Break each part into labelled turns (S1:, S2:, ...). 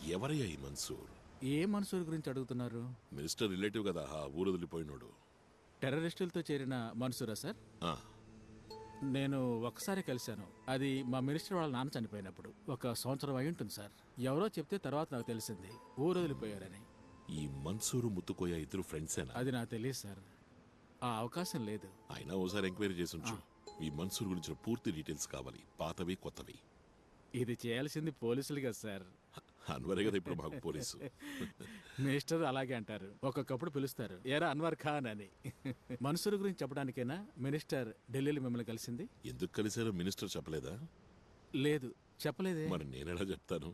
S1: ఎవరయ్యా ఈ మన్సూర్?
S2: ఏ మన్సూర్ గురించి అడుగుతున్నారు?
S1: మినిస్టర్ రిలేటివ్ కదా, ఆ ఊరు వదిలిపోయినోడు.
S2: టెర్రరిస్టులతో చేరిన మన్సూరా సార్?
S1: ఆ,
S2: నేను ఒకసారి కలిశాను. అది మా మినిస్టర్ వాళ్ళ నాన్న చనిపోయినప్పుడు. 1 సంవత్సరం అయి ఉంటుంది సార్. ఎవరో చెప్తే తర్వాత నాకు తెలిసింది ఊరు వదిలిపోయారని.
S1: ఈ మన్సూరు ముత్తుకోయ ఇద్దరు ఫ్రెండ్సేనా?
S2: అది నాకు తెలియదు సార్. ఆ అవకాశం లేదు.
S1: అయినా ఓసారి ఎంక్వైరీ చేసి ఉంచు. ఈ మన్సూర్ గురించిన పూర్తి డీటెయిల్స్ కావాలి, పాతవి కొత్తవి.
S2: ఇది చేయాల్సింది పోలీసులు కదా సార్.
S1: అన్వరే కదా ఇప్పుడు మాకు పోలీసు.
S2: మినిస్టర్ అలాగే అంటారు, ఒక్కొక్కప్పుడు పిలుస్తారు ఏరా అన్వర్ ఖాన్ అని. మన్సూర్ గురించి చెప్పడానికైనా మినిస్టర్ ఢిల్లీలో మిమ్మల్ని కలిసింది?
S1: ఎందుకు కలిశారో మినిస్టర్ చెప్పలేదా?
S2: లేదు, చెప్పలేదే.
S1: మరి నేనెలా చెప్తాను?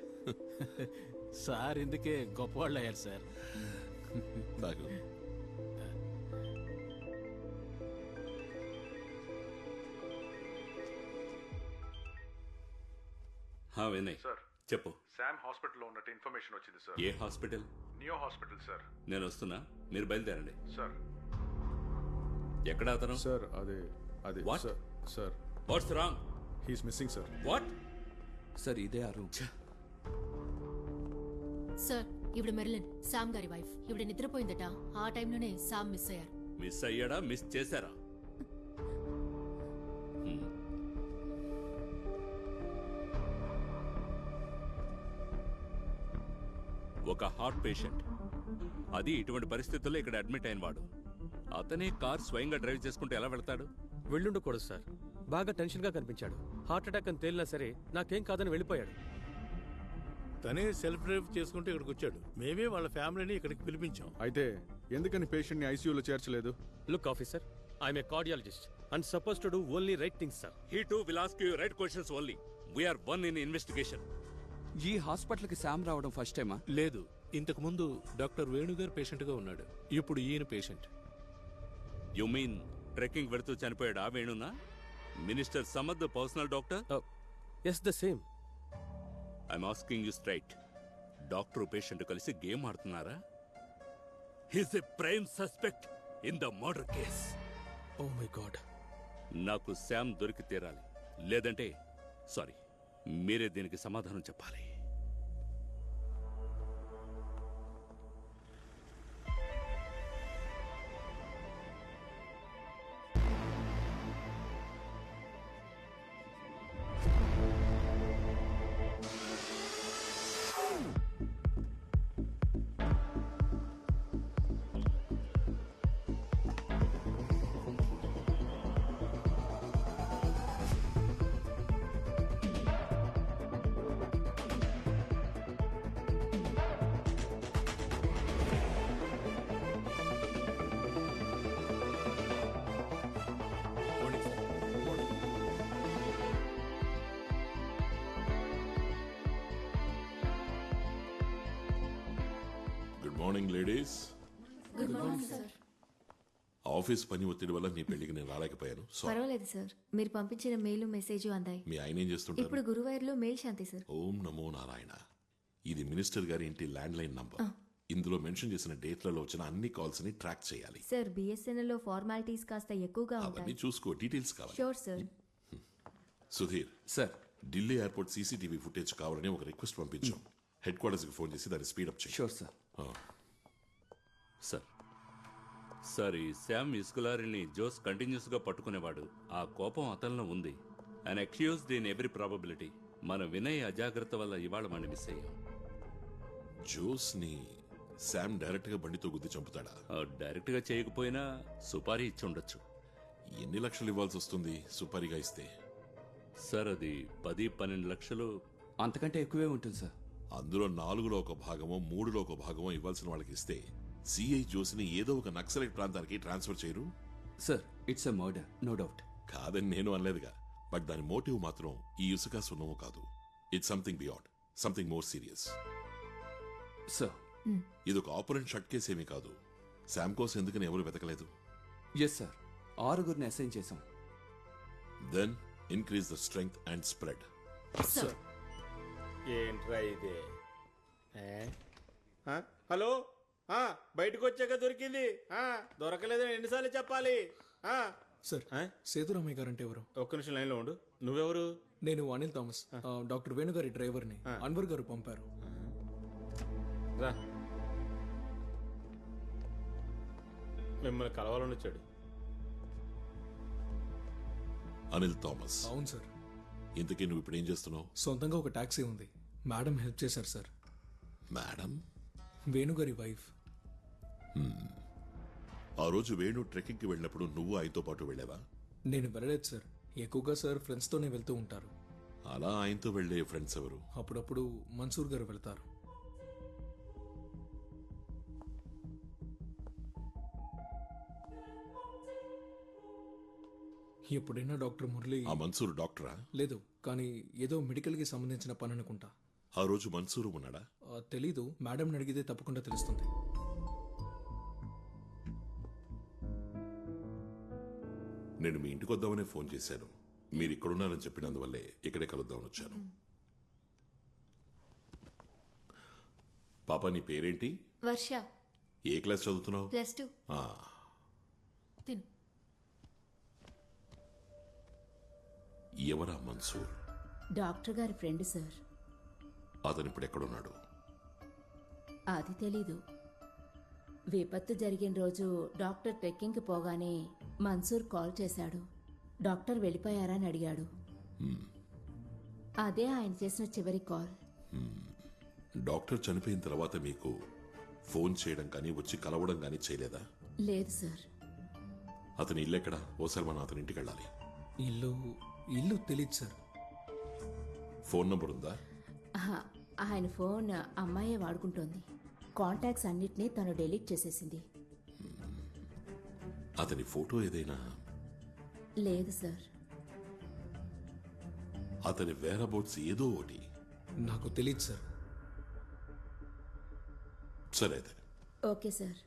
S2: సార్ ఇందుకే గొప్పవాళ్ళు అయ్యారు సార్.
S1: తాగు.
S3: వినయ్
S4: సార్
S3: చెప్పు.
S4: శామ్ హాస్పిటల్లో ఉన్నట్టు ఇన్ఫర్మేషన్ వచ్చింది సార్.
S3: ఏ హాస్పిటల్?
S4: Neo hospital sir.
S3: నేను వస్తున్నా, మీరు బయలుదేరండి.
S4: సార్
S3: ఎక్కడ అతను?
S5: సార్ అదే
S3: What?
S5: Sir
S3: what's wrong?
S5: He's missing sir.
S3: What?
S6: Sir ఇదే ఆ రూమ్.
S7: సార్ ఇవిడ మెర్లిన్, శామ్ గారి వైఫ్. ఇవిడ నిద్రపోయిందట. ఆ టైంలోనే శామ్ మిస్ అయ్యారు.
S3: మిస్ అయ్యాడా, మిస్ చేశారా? ఒక హార్ట్ పేషెంట్, అది ఇటువంటి పరిస్థితుల్లో ఇక్కడ అడ్మిట్ అయిన వాడు. అతనే కార్ స్వయంగా డ్రైవ్ చేసుకుంటూ ఎలా వెళ్తాడు?
S6: వెళ్ళుండకూడదు సార్. బాగా టెన్షన్ గా కనిపించాడు. హార్ట్ అటాక్ అని తేలినా సరే నాకేం కాదని వెళ్ళిపోయాడు.
S8: తనే సెల్ఫ్ డ్రైవ్ చేసుకుంటూ ఇక్కడికి వచ్చాడు. మేమే వాళ్ళ ఫ్యామిలీని ఇక్కడికి పిలిపించాం.
S5: అయితే ఎందుకని పేషెంట్ ని ఐసీయూలో చేర్చలేదు?
S6: Look officer, I'm a cardiologist and suppose to do only right things sir.
S3: He too will ask you right questions only. We are one in investigation.
S9: ఈ హాస్పిటల్ కి శామ్ రావడం ఫస్ట్ టైమా?
S8: లేదు, ఇంతకు ముందు డాక్టర్ వేణుగారు పేషెంట్ గా ఉన్నాడు. ఇప్పుడు ఈయన పేషెంట్.
S3: యు మీన్ ట్రెక్కింగ్ వెళుతూ చనిపోయాడు ఆ వేణునా? Minister Samad personal doctor?
S6: Yes, the same.
S3: I'm asking you straight. Doctor patient కలిసి గేమ్ ఆడుతున్నారా? He's a prime suspect in the murder case.
S6: Oh my god.
S3: నాకు శామ్ దొరికి తీరాలి, లేదంటే సారీ, మీరే దీనికి సమాధానం చెప్పాలి.
S1: Good morning ladies.
S7: Good morning sir.
S1: Office పని ఒత్తిడి వల్ల మీ పెళ్లికి నేను రాలేకపోయాను. సారీ.
S10: పర్వాలేదు సార్, మీరు పంపించిన మెయిల్ మెసేజ్ అందాయి.
S1: మీ ఆయన ఏం చేస్తుంటారు?
S10: ఇప్పుడు గురువాయూర్లో మెయిల్ శాంతి సార్.
S1: ఓం నమో నారాయణ. ఇది మినిస్టర్ గారి ఇంటి ల్యాండ్ లైన్ నంబర్. ఇందులో మెన్షన్ చేసిన డేట్లలో వచ్చిన అన్ని కాల్స్ ని ట్రాక్ చేయాలి.
S10: సార్ బిఎస్ఎన్ఎల్ లో ఫార్మాలిటీస్ కాస్త ఎక్కువగా
S1: అవన్నీ
S10: ఉంటాయి.
S1: చూసుకో, డీటెయిల్స్ కావాలి.
S10: Sure sir.
S1: Sudheer
S9: sir
S1: Delhi airport CCTV footage కావాలని ఒక రిక్వెస్ట్ పంపించాం. హెడ్ క్వార్టర్స్ కి ఫోన్ చేసి దాన్ని స్పీడప్ చేయి.
S9: Sure sir.
S3: సార్ ఈ శామ్ ఇస్కులారిని జోస్ కంటిన్యూస్ గా పట్టుకునేవాడు. ఆ కోపం అతనిలో ఉంది. And accused in every probability. మన వినయ్ అజాగ్రత్త వల్ల ఇవాళ మనం మిస్ అయ్యాం.
S1: జోస్ ని శామ్ డైరెక్ట్ గా బండితో గుద్ది చంపుతాడా?
S3: డైరెక్ట్ గా చేయకపోయినా సుపారీ ఇచ్చి ఉండొచ్చు.
S1: ఎన్ని లక్షలు ఇవ్వాల్సి వస్తుంది సుపారీగా ఇస్తే?
S3: సార్ అది 10-12 లక్షలు.
S9: అంతకంటే ఎక్కువే ఉంటుంది సార్.
S1: అందులో 4లో ఒక భాగమో 3లో ఒక భాగమో ఇవ్వాల్సిన వాళ్ళకి ఇస్తే సిఐ జోస్ని ఏదో ఒక నక్సలైట్ ప్రాంతానికి ట్రాన్స్ఫర్ చేయరు?
S9: Sir it's a murder, no doubt.
S1: కాదని నేను అనలేదుగా, బట్ దాని మోటివ్ మాత్రం ఈ ఇసుక సున్నము కాదు. It's something beyond, something more serious.
S9: Sir
S1: ఇది ఒక ఆపరెంట్ షట్ కేసు ఏమీ కాదు. శామ్ కోసం ఎందుకని ఎవరు వెతకలేదు?
S9: ఎస్ సార్, 6గురిని అసైన్ చేశాం.
S1: Then increase the strength and spread.
S7: Sir
S8: ఏంట్రా ఇదే? హలో, బయటకు వచ్చాక దొరికింది. దొరకలేదని ఎన్నిసార్లు చెప్పాలి?
S11: సార్ సేతురామయ్య గారు అంటే ఎవరు?
S8: ఒక్క నిమిషం లైన్ లో ఉండు. నువ్వెవరు?
S11: నేను అనిల్ థామస్, డాక్టర్ వేణుగారి డ్రైవర్ని. అన్వర్ గారు పంపారు.
S6: రా. మిమ్మల్ని కలవాలని వచ్చాడు.
S1: అనిల్ థామస్.
S11: అవును సార్.
S1: ఇంతకీ నువ్వు ఇప్పుడు ఏం చేస్తున్నావు?
S11: సొంతంగా ఒక టాక్సీ ఉంది. మేడం హెల్ప్ చేశారు సార్.
S1: మేడం?
S11: వేణుగారి వైఫ్.
S1: ఆ రోజు వేణు ట్రెక్కింగ్కి వెళ్ళినప్పుడు నువ్వు ఆయనతో పాటు వెళ్ళావా?
S11: నేను వెళ్ళలేదు సార్. ఎక్కువగా సార్ ఫ్రెండ్స్తోనే వెళ్తూ ఉంటారు.
S1: అలా ఆయనతో వెళ్ళే ఫ్రెండ్స్ ఎవరు?
S11: అప్పుడప్పుడు మన్సూర్ గారు వెళ్తారు. ఎప్పుడైనా డాక్టర్ మురళి.
S1: ఆ మన్సూర్ డాక్టరా?
S11: లేదు, కానీ ఏదో మెడికల్కి సంబంధించిన పని అనుకుంటా.
S1: ఆ రోజు మన్సూరు ఉన్నాడా?
S11: తెలీదు. మేడం అడిగితే తప్పకుండా తెలుస్తుంది.
S1: నేను మీ ఇంటికి వద్దామనే ఫోన్ చేశాను. మీరు ఇక్కడున్నారని చెప్పినందువల్లే ఇక్కడే కలుద్దామని వచ్చాను. పాప నీ పేరేంటి?
S7: వర్ష.
S1: ఏ క్లాస్ చదువుతున్నావు?
S7: +2. తిను.
S1: ఎవరా మన్సూర్?
S12: డాక్టర్ గారి ఫ్రెండ్ సార్.
S1: అతను ఇప్పుడు ఎక్కడున్నాడు?
S12: అది తెలీదు. విపత్తు జరిగిన రోజు డాక్టర్ ట్రెక్కింగ్కి పోగానే మన్సూర్ కాల్ చేశాడు. డాక్టర్ వెళ్ళిపోయారా అని అడిగాడు. అదే ఆయన చేసిన చివరి కాల్.
S1: డాక్టర్ చనిపోయిన తర్వాత మీకు ఫోన్ చేయడం కానీ వచ్చి కలవడం కానీ చేయలేదా?
S12: లేదు సార్.
S1: అతని ఇల్లు ఎక్కడా? ఓసారి మనం అతని ఇంటికి వెళ్ళాలి.
S11: ఇల్లు తెలీదు సార్.
S1: ఫోన్ నంబర్ ఉందా?
S12: ఆయన ఫోన్ అమ్మాయే వాడుకుంటోంది. కాంటాక్ట్స్ అన్నిటినీ తను డిలీట్ చేసేసింది.
S1: అతని ఫోటో ఏదైనా?
S12: లేదు సార్.
S1: అతని వేరబౌట్స్ ఏదో ఒకటి?
S11: నాకు తెలీదు సార్.
S1: సరే అయితే.
S12: Okay sir.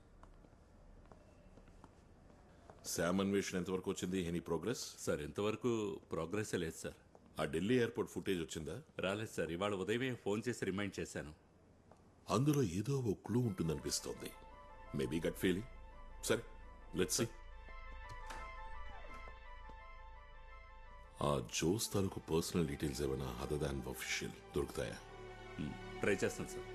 S1: శామ్ అన్వేషణ ఎంతవరకు వచ్చింది? Any progress?
S3: సార్ ఇంతవరకు ప్రోగ్రెస్ లేదు సార్.
S1: ఆ ఢిల్లీ ఎయిర్పోర్ట్ ఫుటేజ్ వచ్చిందా?
S3: రాలేదు సార్. ఇవాళ ఉదయమే ఫోన్ చేసి రిమైండ్ చేశాను.
S1: అందులో ఏదో ఓ క్లూ ఉంటుందనిపిస్తోంది. Maybe gut feeling. సరే, లెట్స్ సీ. ఆ జోస్ తాలూకు పర్సనల్ డీటెయిల్స్ ఏమైనా అదర్ దాన్ అఫీషియల్ దొరుకుతాయా?
S3: ట్రై చేస్తాను sir.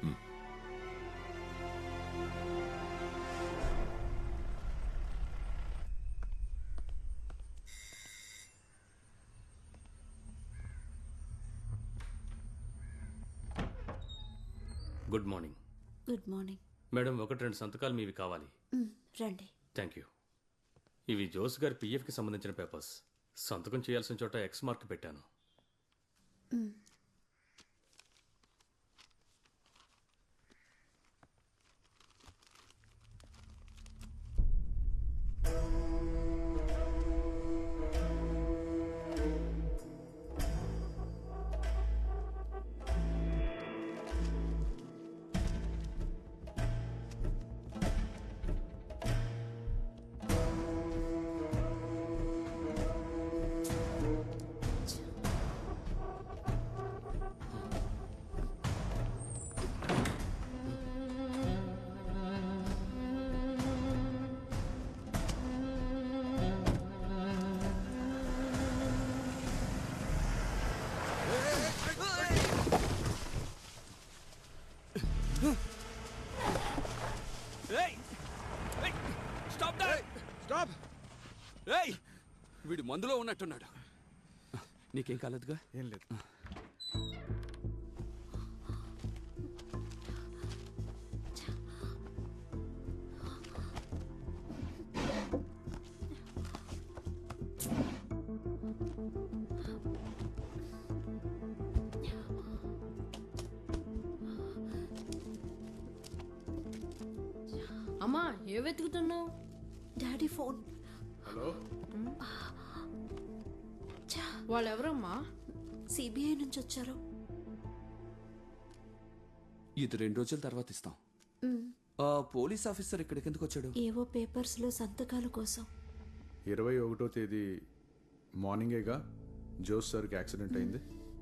S6: Good morning.
S12: Good morning
S6: madam. 1-2 సంతకాలు మీవి కావాలి.
S12: రండి.
S6: Thank you. ఇవి జోస్ గారి పిఎఫ్కి సంబంధించిన పేపర్స్. సంతకం చేయాల్సిన చోట ఎక్స్ మార్క్ పెట్టాను.
S9: వీడు మందులో ఉన్నట్టున్నాడు. నీకేం కాలేదుగా?
S5: ఏం లేదు.
S7: అమ్మా, ఏ వెతుకుతున్నావు?
S12: Daddy phone.
S5: హలో,
S7: వాళ్ళెవరమ్మా?
S12: సిబిఐ నుంచి వచ్చారు.
S9: ఇది 2 రోజుల తర్వాత ఇస్తాం. ఆ పోలీస్ ఆఫీసర్ ఇక్కడికి ఎందుకు వచ్చాడు?
S12: ఏవో పేపర్స్లో సంతకాల కోసం.
S5: 21వ తేదీ మార్నింగేగా జోస్ సార్కి యాక్సిడెంట్ అయింది.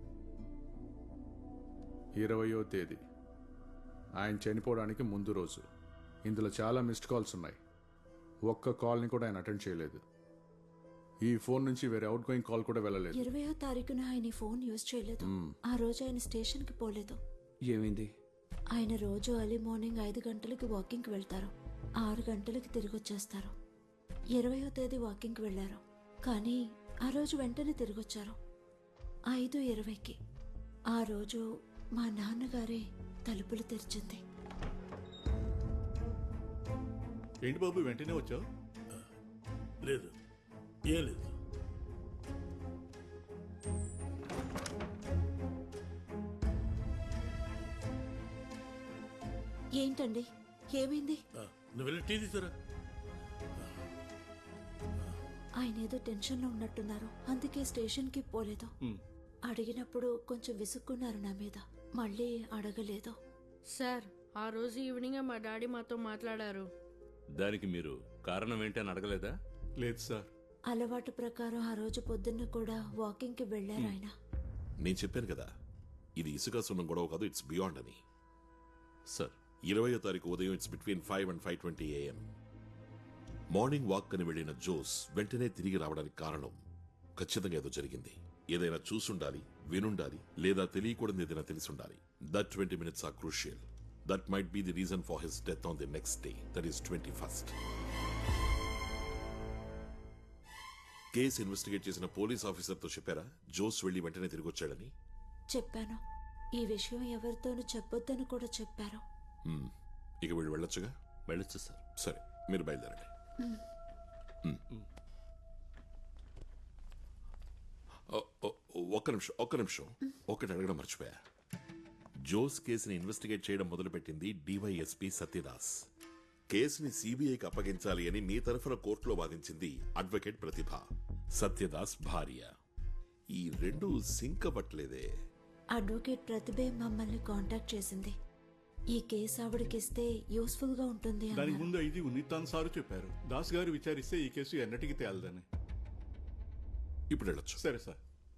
S5: 20వ తేదీ ఆయన చనిపోవడానికి ముందు రోజు. ఇందులో చాలా మిస్డ్ కాల్స్ ఉన్నాయి. ఒక్క కాల్ని కూడా ఆయన అటెండ్ చేయలేదు. ఈ ఫోన్ నుంచి వేరే అవుట్ గోయింగ్ కాల్ కూడా వెళ్ళలేదు.
S12: 20వ తారీఖున ఆయన ఫోన్ యూజ్ చేయలేదు. ఆ రోజు ఆయన స్టేషన్కి పోలేదు.
S9: ఏమైంది?
S13: ఆయన రోజు ఎర్లీ మార్నింగ్ 5 గంటలకి వాకింగ్కి వెళ్తారు, 6 గంటలకి తిరిగి వచ్చేస్తారు. 20వ తేదీ వాకింగ్కి వెళ్ళారు, కానీ ఆ రోజు వెంటనే తిరిగి వచ్చారు 5:20కి. ఆ రోజు మా నాన్నగారే తలుపులు తెరిచింది.
S8: ఏంటి బాబు వెంటనే వచ్చావు? లేదు, ఏం లేదు.
S13: ఏంటండి, ఏమైంది?
S8: నువ్వు వెళ్ళి టీ తీసుకురా.
S13: ఆయన ఏదో టెన్షన్లో ఉన్నట్టున్నారు, అందుకే స్టేషన్కి పోలేదు. అడిగినప్పుడు కొంచెం విసుక్కున్నారు నా మీద, మళ్ళీ అడగలేదు.
S14: సార్, ఆ రోజు ఈవినింగ్ మా డాడీ మాతో మాట్లాడారు.
S3: దానికి మీరు కారణం ఏంటని అడగలేదా?
S8: లేదు సార్.
S13: అలవాటు ప్రకారం ఆ రోజు పొద్దున్న కూడా వాకింగ్కి వెళ్ళారు ఆయన.
S1: నేను చెప్పాను కదా, ఇది ఇసుక సున్నం గొడవ కాదు, ఇట్స్ బియాండ్ అని.
S3: సార్,
S1: 20వ తారీఖు ఉదయం it's between 5 and 5:20 AM. Morning walk అని వెళ్లిన జోస్ వెంటనే తిరిగి రావడానికి కారణం ఖచ్చితంగా ఏదో జరిగింది. ఏదైనా చూసుండాలి, వినుండాలి, లేదా తెలియకూడదు ఏదైనా తెలిసుండాలి. That 20 minutes are crucial. That might be the reason for his death on the next day, that is 21st. కేసు ఇన్వెస్టిగేట్ చేసిన పోలీస్ ఆఫీసర్తో చెప్పారా జోస్ వెళ్లి వెంటనే తిరిగి వచ్చాడని?
S13: చెప్పాను. ఈ విషయం ఎవరితోనూ చెప్పొద్దని కూడా చెప్పారు.
S1: ఇక వీళ్ళు వెళ్ళొచ్చుగా?
S3: వెళ్ళొచ్చు సార్.
S1: సరే, మీరు బయలుదేరండి. ఒక్క నిమిషం ఒకటి అడగడం మర్చిపోయా. జోస్ కేసుని ఇన్వెస్టిగేట్ చేయడం మొదలుపెట్టింది డివైఎస్పీ సత్యదాస్. కేసుని సిబిఐకి అప్పగించాలి అని మీ తరఫున కోర్టులో వాదించింది అడ్వకేట్ ప్రతిభ, సత్యదాస్ భార్య. ఈ రెండు సింక్ అవ్వట్లేదే.
S13: అడ్వకేట్ ప్రతిభే మమ్మల్ని కాంటాక్ట్ చేసింది. ఈ కేసు ఆవిడకిస్తే యూస్ఫుల్ గా ఉంటుంది అన్నారు.
S8: దానికి ముందు ఇది ఉన్నితాన్ సారు చెప్పారు. దాస్ గారు విచారిస్తే ఈ కేసు ఎన్నటికి తేలదని.
S1: ఇప్పుడు వెళ్ళొచ్చు.
S8: సరే సార్.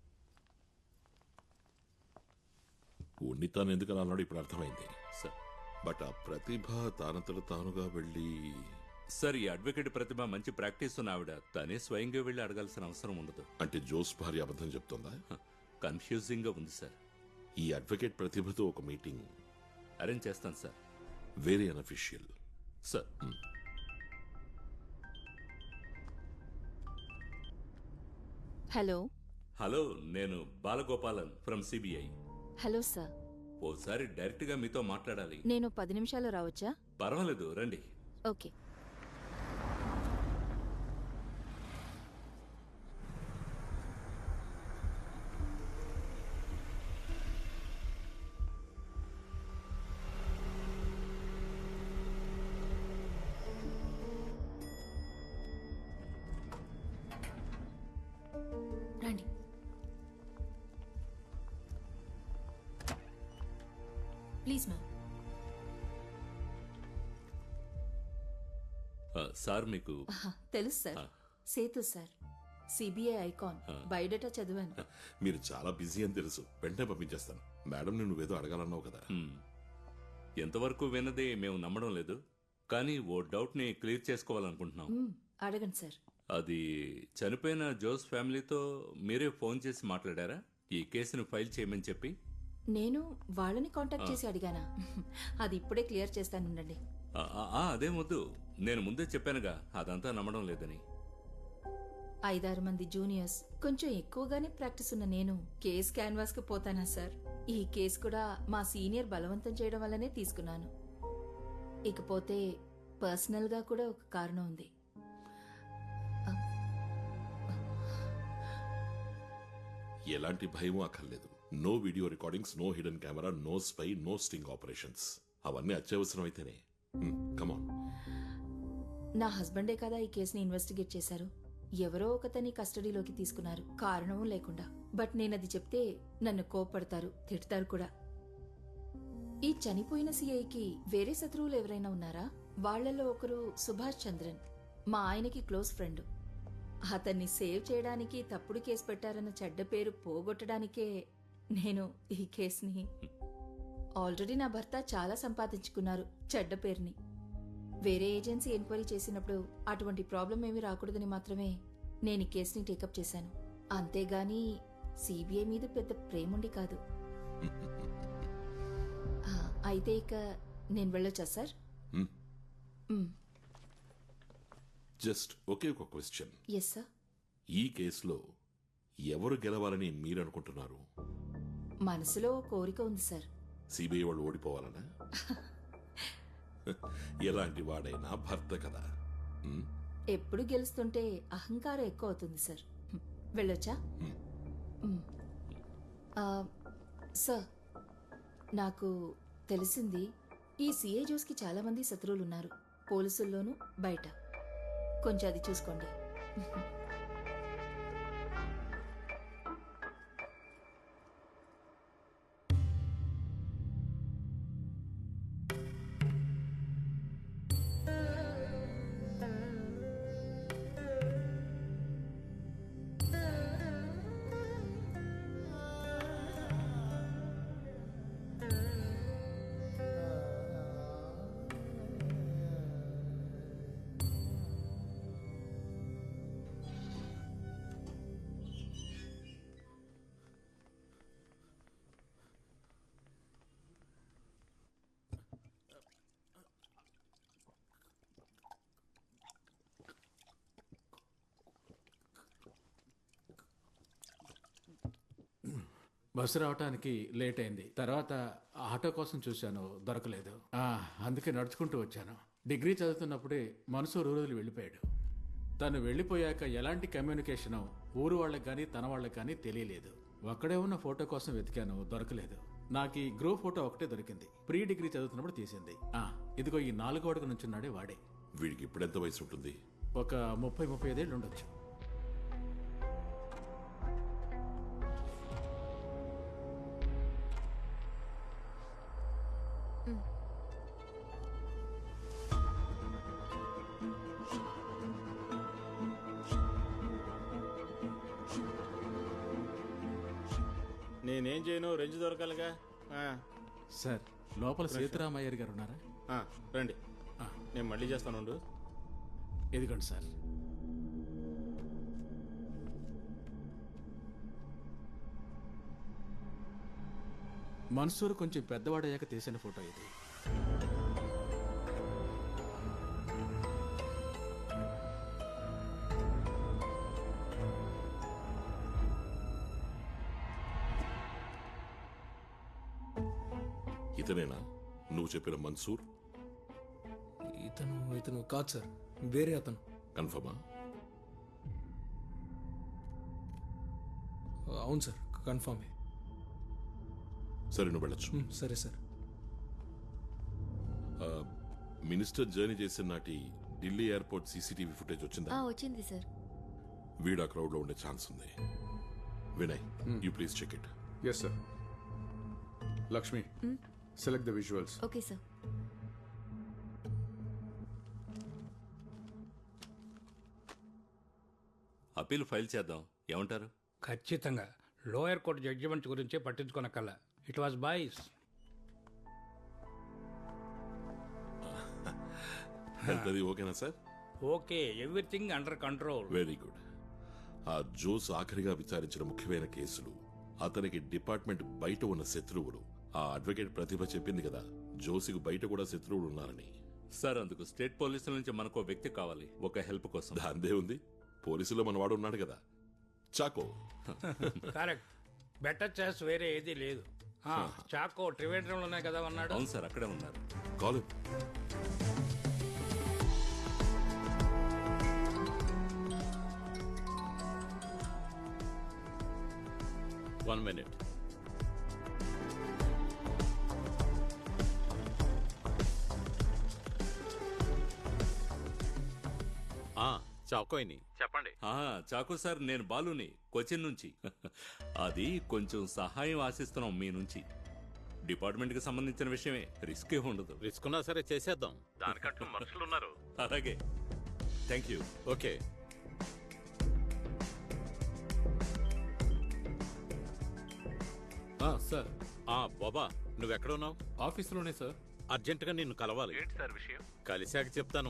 S1: ఉన్నితాన్ ఎందుకని అన్నాడు ఇప్పుడు అర్థమైంది
S3: సార్.
S1: బట్ ఆ ప్రతిభ తానంతట తానుగా వెళ్ళి...
S3: సార్, ఈ అడ్వకేట్ ప్రతిభ మంచి ప్రాక్టీస్ ఉన్న ఆవిడ, తనే స్వయంగా వెళ్ళి అడగాల్సిన అవసరం ఉండదు.
S1: అంటే జోస్ భార్య అబద్ధం చెప్తుందా?
S3: కన్ఫ్యూజింగ్ గా ఉంది సార్.
S1: ఈ అడ్వకేట్ ప్రతిభతో ఒక మీటింగ్
S3: అరేంజ్ చేస్తాను sir.
S1: Very unofficial
S3: sir.
S12: Hello.
S3: Hello, నేను Balagopalan from CBI.
S12: Hello sir.
S3: ఓసారి డైరెక్ట్ గా మీతో మాట్లాడాలి.
S12: నేను 10 నిమిషాలు రావచ్చా?
S3: పర్వాలేదు, రండి.
S12: ఓకే.
S7: రండి. Please ma'am.
S3: సార్, మీకు
S12: తెలుసు sir. Sethu sir, CBI icon. Biodata చదివాను.
S1: మీరు చాలా బిజీ అని తెలుసు, వెంటనే పంపించేస్తాను. మేడం, నువ్వేదో అడగాలన్నావు కదా.
S3: ఎంతవరకు విన్నది మేము నమ్మడం లేదు, కానీ ఓ డౌట్ ని క్లియర్ చేసుకోవాలనుకుంటున్నాం.
S12: అడగండి సార్.
S3: అది చనిపోయిన జోస్ ఫ్యామిలీతో మీరే ఫోన్ చేసి మాట్లాడారా ఈ కేసును ఫైల్ చేయమని చెప్పి?
S12: నేను వాళ్ళని కాంటాక్ట్ చేసి అడిగానా? అది ఇప్పుడే క్లియర్ చేస్తానుండండి.
S3: అదే వద్దు, నేను ముందే చెప్పానుగా అదంతా నమ్మడం లేదని.
S12: 5-6 మంది జూనియర్స్, కొంచెం ఎక్కువగానే ప్రాక్టీస్ ఉన్న నేను కేస్ క్యాన్వాస్ కి పోతానా సార్? ఈ కేసు కూడా మా సీనియర్ బలవంతం చేయడం వల్లనే తీసుకున్నాను. ఇకపోతే పర్సనల్ గా కూడా ఒక కారణం ఉంది.
S1: ఎలాంటి భయమూ అక్కర్లేదు. No video recordings, no hidden camera, no spy, no sting operations. అవన్నీ అత్యవసరం అయితేనే. కమాన్.
S12: నా హస్బెండే కదా ఈ కేసుని ఇన్వెస్టిగేట్ చేశారు. ఎవరో ఒకతని కస్టడీలోకి తీసుకున్నారు, కారణం లేకుండా. బట్ నేనది చెప్తే నన్ను కోప్పడతారు, తిడతారు కూడా. ఈ చనిపోయిన సిఐకి వేరే శత్రువులు ఎవరైనా ఉన్నారా? వాళ్లలో ఒకరు సుభాష్ చంద్రన్, మా ఆయనకి క్లోజ్ ఫ్రెండ్. అతన్ని సేవ్ చేయడానికి తప్పుడు కేసు పెట్టారన్న చెడ్డ పేరు పోగొట్టడానికే నేను ఈ కేసుని... ఆల్రెడీ నా భర్త చాలా సంపాదించుకున్నారు చెడ్డ పేరుని. వేరే ఏజెన్సీ ఎంక్వైరీ చేసినప్పుడు అటువంటి ప్రాబ్లం ఏమీ రాకూడదని మాత్రమే నేను ఈ కేసుని టేకప్ చేశాను. అంతేగాని సిబిఐ మీద పెద్ద ప్రేముండి కాదు. అయితే ఇక నేను వెళ్ళొచ్చా సార్?
S1: జస్ట్ ఒకే ఒక క్వశ్చన్.
S12: Yes sir.
S1: ఈ కేసులో ఎవరు గెలవాలని మీరు అనుకుంటున్నారు?
S12: మనసులో కోరిక ఉంది సార్.
S1: సిబిఐ వాళ్ళు ఓడిపోవాలనా? ఎలాంటి వాడైనా భర్త కదా.
S12: ఎప్పుడు గెలుస్తుంటే అహంకారం ఎక్కువ అవుతుంది సార్. వెళ్ళొచ్చా? సార్, నాకు తెలిసింది ఈ సిఐ జోస్కి చాలా మంది శత్రువులు ఉన్నారు, పోలీసుల్లోనూ బయట. కొంచెం అది చూసుకోండి.
S2: బస్సు రావటానికి లేట్ అయింది. తర్వాత ఆటో కోసం చూశాను, దొరకలేదు. అందుకే నడుచుకుంటూ వచ్చాను. డిగ్రీ చదువుతున్నప్పుడే మన్సూర్ ఊరు వెళ్ళిపోయాడు. తను వెళ్ళిపోయాక ఎలాంటి కమ్యూనికేషను ఊరు వాళ్ళకి కానీ తన వాళ్ళకి కానీ తెలియలేదు. ఒక్కడే ఉన్న ఫోటో కోసం వెతికాను, దొరకలేదు. నాకు ఈ గ్రూప్ ఫోటో ఒకటే దొరికింది. ప్రీ డిగ్రీ చదువుతున్నప్పుడు తీసింది. ఇదిగో ఈ 4వ అడుగు నుంచున్నాడే వాడే.
S1: వీడికి ఇప్పుడెంత వయసు ఉంటుంది?
S2: ఒక 30-35 ఏళ్ళు ఉండొచ్చు.
S15: నేనేం చేయను, రెంజ్ దొరకాలిగా.
S2: సార్, లోపల సీతారామయ్యర్ గారు ఉన్నారా?
S15: రండి, నేను మళ్ళీ చేస్తాను.
S2: ఇదిగోండి సార్. మన్సూర్ కొంచెం పెద్దవాడయ్యాక తీసిన ఫోటో ఇది.
S1: ఇతనేనా నువ్వు చెప్పిన మన్సూర్?
S11: ఇతను కాదు సార్, వేరే అతను.
S1: కన్ఫర్మా?
S11: అవును సార్, కన్ఫర్మే.
S1: సరే, నువ్వు వెళ్ళొచ్చు.
S11: సరే సార్.
S1: మినిస్టర్ జర్నీ చేసిన నాటి ఢిల్లీ ఎయిర్పోర్ట్ సీసీటీవీ ఫుటేజ్ వచ్చిందా?
S10: వచ్చింది సార్.
S1: వీడు ఆ క్రౌడ్ లో ఉండే ఛాన్స్ ఉంది. Vinay, you please check it.
S5: Yes sir. Lakshmi, select the visuals.
S10: Okay sir.
S3: Appeal file చేద్దాం, ఏమంటారు?
S16: ఖచ్చితంగా. లోయర్ కోర్టు జడ్జిమెంట్ గురించి పట్టించుకోనక్కల్లా. It was boys.
S1: ఓకేనా sir?
S16: Okay, everything under control.
S1: Very good. ఆ జోస్ ఆఖరిగా విచారించిన ముఖ్యమైన కేసులు, అతనికి డిపార్ట్మెంట్ బయట ఉన్న శత్రువులు. ఆ అడ్వకేట్ ప్రతిభ చెప్పింది కదా, జోసికి బయట కూడా శత్రువులు ఉన్నారని.
S3: సార్, అందుకు స్టేట్ పోలీసుల నుంచి మనకు వ్యక్తి కావాలి, ఒక హెల్ప్ కోసం.
S1: దాందే ఉంది, పోలీసులో మనవాడు ఉన్నాడు కదా, చాకో.
S16: కరెక్ట్. బెటర్ చాయిస్ వేరే ఏదీ లేదు. చాకో త్రివేంద్రంలోనే కదా ఉన్నాడు.
S3: అవును సార్, అక్కడే ఉన్నారు.
S1: కాల్.
S15: One minute. చాకోయిని చెప్పండి.
S3: చాకో సార్, నేను బాలుని, కొచ్చిన్ నుంచి. అది కొంచెం సహాయం ఆశిస్తున్నాం మీ నుంచి. డిపార్ట్మెంట్ కి సంబంధించిన విషయమే, రిస్క్ ఏ ఉండదు.
S15: రిస్క్ ఉన్నా సరే చేసేద్దాం, దానికంటూ మనుషులు ఉన్నారు.
S3: అలాగే, థ్యాంక్ యూ.
S15: ఓకే.
S17: సార్.
S15: బాబా, నువ్వెక్కడ ఉన్నావు?
S17: ఆఫీస్లోనే సార్.
S15: అర్జెంటుగా నిన్ను కలవాలి.
S4: ఏంటి సార్ విషయం?
S15: కలిశాక చెప్తాను.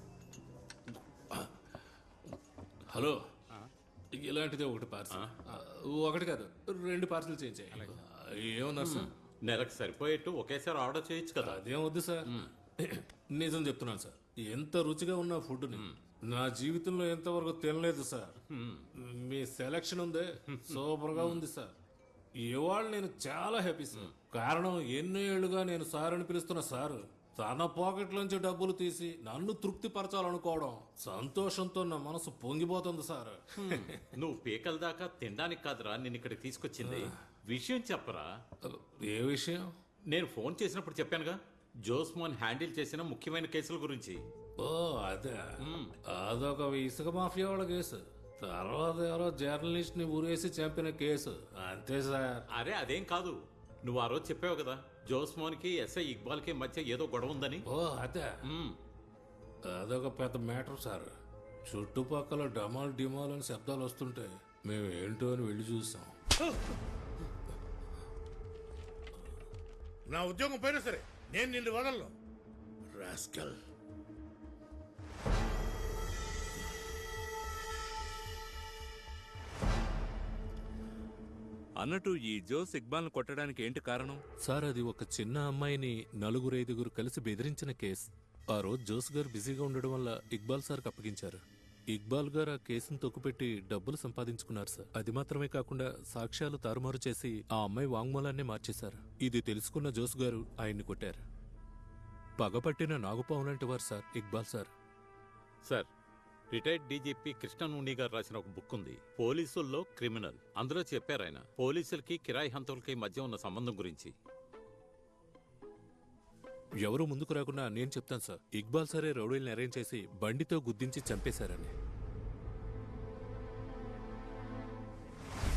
S17: హలో, ఇలాంటిదే ఒకటి పార్సల్. ఒకటి కాదు 2 పార్సల్ చేయించాయి. ఏమన్నారు సార్?
S15: నెలకు సరిపోయేట్టు ఒకేసారి ఆర్డర్ చేయొచ్చు కదా.
S17: అదేం వద్దు సార్. నిజం చెప్తున్నాను సార్, ఎంత రుచిగా ఉన్న ఫుడ్ని నా జీవితంలో ఎంతవరకు తినలేదు సార్. మీ సెలక్షన్ ఉందే సూపర్ గా ఉంది సార్. ఇవాళ నేను చాలా హ్యాపీ సార్. కారణం ఎన్నో ఏళ్లుగా నేను సార్ అని పిలుస్తున్న సార్ తన పాకెట్లోంచి డబ్బులు తీసి నన్ను తృప్తి పరచాలనుకోవడం సంతోషంతో నా మనసు పొంగిపోతుంది సార్.
S15: నువ్వు పీకల దాకా తినడానికి కాదురా నిన్ను ఇక్కడికి తీసుకొచ్చింది. విషయం చెప్పరా.
S17: ఏ విషయం?
S15: నేను ఫోన్ చేసినప్పుడు చెప్పానుగా, జోస్మాన్ హ్యాండిల్ చేసిన ముఖ్యమైన కేసుల గురించి.
S17: ఓ అదే, అదొక ఇసుక మాఫియా వాళ్ళ కేసు. తర్వాత ఎవరో జర్నలిస్ట్ ని ఊరేసి చంపిన కేసు. అంతే సార్.
S15: అరే అదేం కాదు, నువ్వు ఆ రోజు చెప్పావు కదా జోస్మాన్ కి ఎస్ఐ ఇక్బాల్ కి మధ్య ఏదో గొడవ ఉందని.
S17: ఓ అదే, అదొక పెద్ద మ్యాటర్ సార్. చుట్టుపక్కల డమాల్ డిమాల్ అని శబ్దాలు వస్తుంటే మేము ఏంటో అని వెళ్ళి చూసాం.
S8: నా ఉద్యోగం పోయినా సరే నేను నిన్ను వదలను రాస్కల్.
S3: అన్నట్టు ఈ జోస్ ఇక్బాల్ను కొట్టడానికి ఏంటి కారణం?
S18: సార్ అది ఒక చిన్న అమ్మాయిని 4-5 కలిసి బెదిరించిన కేసు. ఆ రోజు జోస్ గారు బిజీగా ఉండడం వల్ల ఇక్బాల్ సార్కి అప్పగించారు. ఇక్బాల్ గారు ఆ కేసును తొక్కుపెట్టి డబ్బులు సంపాదించుకున్నారు సార్. అది మాత్రమే కాకుండా సాక్ష్యాలు తారుమారు చేసి ఆ అమ్మాయి వాంగ్మూలాన్ని మార్చేశారు. ఇది తెలుసుకున్న జోస్ గారు ఆయన్ని కొట్టారు. పగపట్టిన నాగుపాము లాంటి వారు sir Iqbal sir.
S15: Sir, retired DGP కృష్ణనుని గారు రాసిన ఒక బుక్ ఉంది, పోలీసుల్లో క్రిమినల్. అందులో చెప్పారు ఆయన పోలీసులకి కిరాయి హంతకులకి మధ్య ఉన్న సంబంధం గురించి.
S18: ఎవరూ ముందుకు రాకుండా నేను చెప్తాను సార్, ఇక్బాల్ సరే రౌడీల్ని అరేంజ్ చేసి బండితో గుద్దించి చంపేశారని.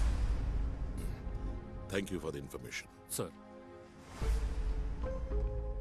S1: Thank you for the information
S18: sir.